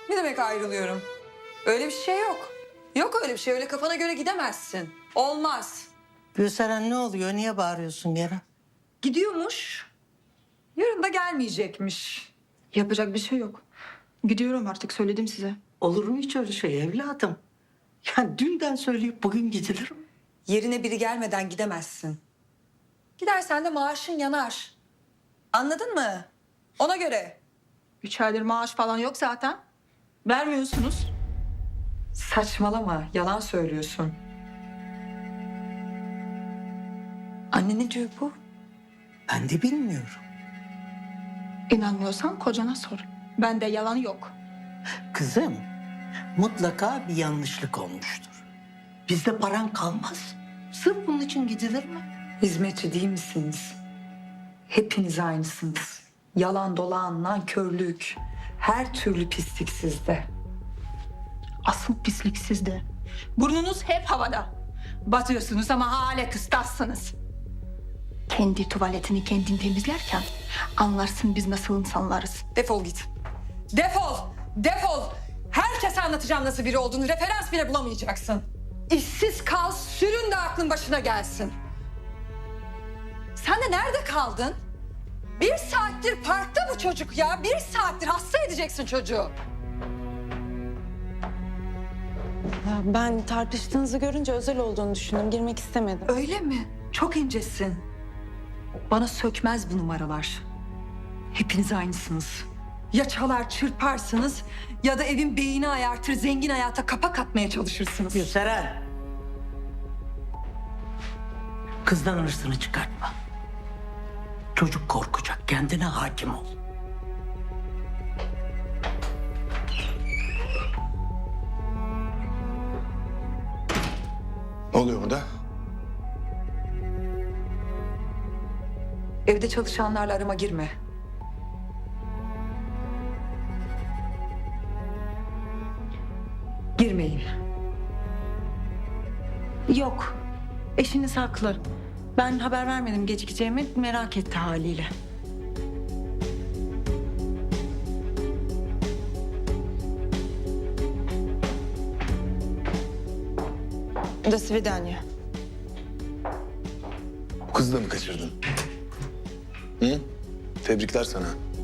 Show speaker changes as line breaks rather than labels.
Ne demek ayrılıyorum? Öyle bir şey yok. Yok öyle bir şey. Öyle kafana göre gidemezsin. Olmaz.
Gülseren ne oluyor? Niye bağırıyorsun gene?
Gidiyormuş. Yarın da gelmeyecekmiş.
Yapacak bir şey yok. Gidiyorum artık, söyledim size.
Olur mu hiç öyle şey evladım? Ya dünden söyleyip bugün gidilir mi?
Yerine biri gelmeden gidemezsin. Gidersen de maaşın yanar. Anladın mı? Ona göre.
3 aydır maaş falan yok zaten. Vermiyorsunuz.
Saçmalama. Yalan söylüyorsun. Anne ne diyor bu?
Ben de bilmiyorum.
İnanmıyorsan kocana sor. Bende yalan yok.
Kızım, mutlaka bir yanlışlık olmuştur. Bizde paran kalmaz. Sırf bunun için gidilir mi?
Hizmetçi değil misiniz? Hepiniz aynısınız. Yalan dolan, nankörlük, her türlü pislik sizde.
Asıl pislik sizde. Burnunuz hep havada. Batıyorsunuz ama hala kıstassınız. Kendi tuvaletini kendin temizlerken anlarsın biz nasıl insanlarız.
Defol git. Defol! Defol! Herkese anlatacağım nasıl biri olduğunu. Referans bile bulamayacaksın. İşsiz kal, sürün de aklın başına gelsin. Sen de nerede kaldın? 1 saattir parkta bu çocuk ya. 1 saattir hasta edeceksin çocuğu.
Ya ben tartıştığınızı görünce özel olduğunu düşündüm. Girmek istemedim.
Öyle mi? Çok incesin. Bana sökmez bu numaralar. Hepiniz aynısınız. Ya çalar çırparsınız ya da evin beyni ayartır zengin hayata kapak atmaya çalışırsınız.
Gülseren. Kızdan hırsını çıkartma. Çocuk korkacak. Kendine hakim ol.
Ne oluyor burada?
Evde çalışanlarla arama girme. Girmeyin.
Yok. Eşiniz haklı. Ben haber vermedim gecikeceğimi. Merak etti haliyle. До свидания.
Bu kızı da mı kaçırdın? Hı? Tebrikler sana.